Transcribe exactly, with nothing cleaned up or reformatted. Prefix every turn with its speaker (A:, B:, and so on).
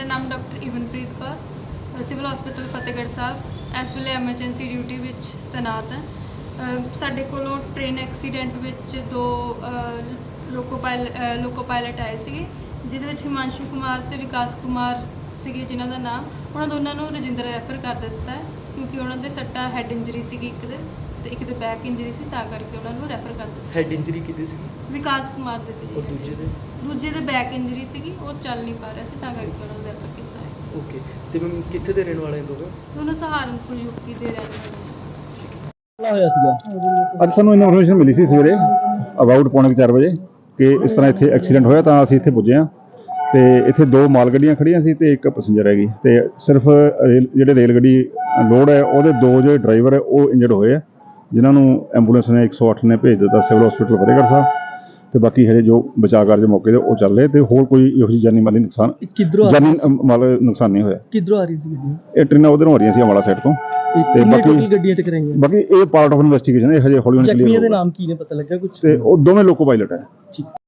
A: ਨਾਮ doctor Ivanpreet Kaur, civil hospital Fatehgarh Sahib ਇਸ ਵੇਲੇ ਐਮਰਜੈਂਸੀ ਡਿਊਟੀ ਵਿੱਚ ਤੈਨਾਤ ਹੈ। ਅ, ਸਾਡੇ ਕੋਲੋਂ ਟ੍ਰੇਨ ਐਕਸੀਡੈਂਟ ਵਿੱਚ ਦੋ ਅ, ਲੋਕੋ ਪਾਇਲਟ ਲੋਕੋ ਪਾਇਲਟ ਆਏ ਸੀਗੇ, ਜਿਹਦੇ ਵਿੱਚ ਹਿਮਾਂਸ਼ੂ ਕੁਮਾਰ ਤੇ ਵਿਕਾਸ ਕੁਮਾਰ ਸੀਗੇ ਜਿਨ੍ਹਾਂ ਦਾ ਨਾਮ। ਉਹਨਾਂ ਦੋਨਾਂ ਨੂੰ ਰਜਿੰਦਰ ਰੈਫਰ ਕਰ ਦਿੱਤਾ ਹੈ ਕਿਉਂਕਿ ਉਹਨਾਂ ਦੇ ਸੱਟਾ ਹੈਡ ਇੰਜਰੀ ਸੀਗੀ, ਇੱਕ ਦੇ ਤੇ ਇੱਕ ਦੇ ਬੈਕ ਇੰਜਰੀ ਸੀ, ਤਾਂ ਕਰਕੇ ਉਹਨਾਂ ਨੂੰ ਰੈਫਰ ਕਰ ਦਿੱਤਾ।
B: ਹੈਡ ਇੰਜਰੀ ਕਿਹਦੀ ਸੀ
A: ਵਿਕਾਸ ਕੁਮਾਰ ਦੇ ਸੀ
B: ਔਰ ਦੂਜੇ ਦੇ?
A: ਦੂਜੇ ਦੇ ਬੈਕ ਇੰਜਰੀ ਸੀਗੀ, ਉਹ ਚੱਲ ਨਹੀਂ ਪਾ ਰਿਹਾ ਸੀ, ਤਾਂ ਕਰਕੇ ਉਹਨਾਂ ਨੂੰ ਰੈਫਰ ਕੀਤਾ ਹੈ।
B: ਓਕੇ, ਤੇ ਮੈਮ ਕਿੱਥੇ ਦੇ ਰਹਿਣ ਵਾਲੇ ਦੋਵੇਂ?
A: ਦੋਨੋਂ ਸਹਾਰਨਪੁਰ ਯੂਪੀ ਦੇ ਰਹਿਣ ਵਾਲੇ ਨੇ।
C: ਹੋਇਆ ਸੀਗਾ
D: ਅੱਜ ਸਾਨੂੰ ਇਨਫੋਰਮੇਸ਼ਨ ਮਿਲੀ ਸੀ ਸਵੇਰੇ ਅਬਾਊਟ ਪੌਣੇ ਚਾਰ ਵਜੇ ਕਿ ਇਸ ਤਰ੍ਹਾਂ ਇੱਥੇ ਐਕਸੀਡੈਂਟ ਹੋਇਆ, ਤਾਂ ਅਸੀਂ ਇੱਥੇ ਪੁੱਜੇ ਹਾਂ ਤੇ ਇੱਥੇ ਦੋ ਮਾਲ ਗੱਡੀਆਂ ਖੜੀਆਂ ਸੀ ਤੇ ਇੱਕ ਪੈਸੇਂਜਰ ਹੈਗੀ, ਤੇ ਸਿਰਫ ਰੇਲ ਜਿਹੜੇ ਰੇਲ ਗੱਡੀ ਲੋਡ ਹੈ ਉਹਦੇ ਦੋ ਜਿਹੜੇ ਡਰਾਈਵਰ ਹੈ ਉਹ ਇੰਜਰਡ ਹੋਏ ਆ, ਜਿਨ੍ਹਾਂ ਨੂੰ ਐਂਬੂਲੈਂਸ ਨੇ ਇੱਕ ਸੌ ਅੱਠ ਨੇ ਭੇਜ ਦਿੱਤਾ ਸਿਵਲ ਹਸਪੀਟਲ ਫਤਿਹਗੜ੍ਹ ਸਾਹਿਬ, ਤੇ ਬਾਕੀ ਹਜੇ ਜੋ ਬਚਾਅ ਕਾਰਜ ਮੌਕੇ ਤੇ ਉਹ ਚੱਲ ਰਹੇ, ਤੇ ਹੋਰ ਕੋਈ ਇਹੋ ਜਿਹੀ ਜਾਨੀ ਮਾਲੀ ਨੁਕਸਾਨ
C: ਕਿੱਧਰੋਂ
D: ਜਾਨੀ ਮਾਲ ਨੁਕਸਾਨ ਨਹੀਂ ਹੋਇਆ।
C: ਕਿੱਧਰੋਂ ਆ ਰਹੀ ਸੀ ਗੱਡੀ?
D: ਇਹ ਟ੍ਰੇਨਾਂ ਉਧਰੋਂ ਆ ਰਹੀਆਂ ਸੀ ਅੰਬਾਲਾ ਸਾਈਡ ਤੋਂ,
C: ਤੇ ਬਾਕੀ ਗੱਡੀਆਂ ਟਕਰਾਈਆਂ।
D: ਬਾਕੀ ਇਹ ਪਾਰਟ ਆਫ ਇਨਵੈਸਟੀਗੇਸ਼ਨ ਹੈ, ਹਜੇ ਹੌਲੀ ਹੌਲੀ
C: ਜ਼ਖਮੀਆਂ ਦੇ ਨਾਮ ਕੀ ਨੇ, ਪਤਾ ਲੱਗਾ ਕੁਝ?
D: ਤੇ ਉਹ ਦੋਵੇਂ ਲੋਕੋ ਪਾਇਲਟ ਹੈ।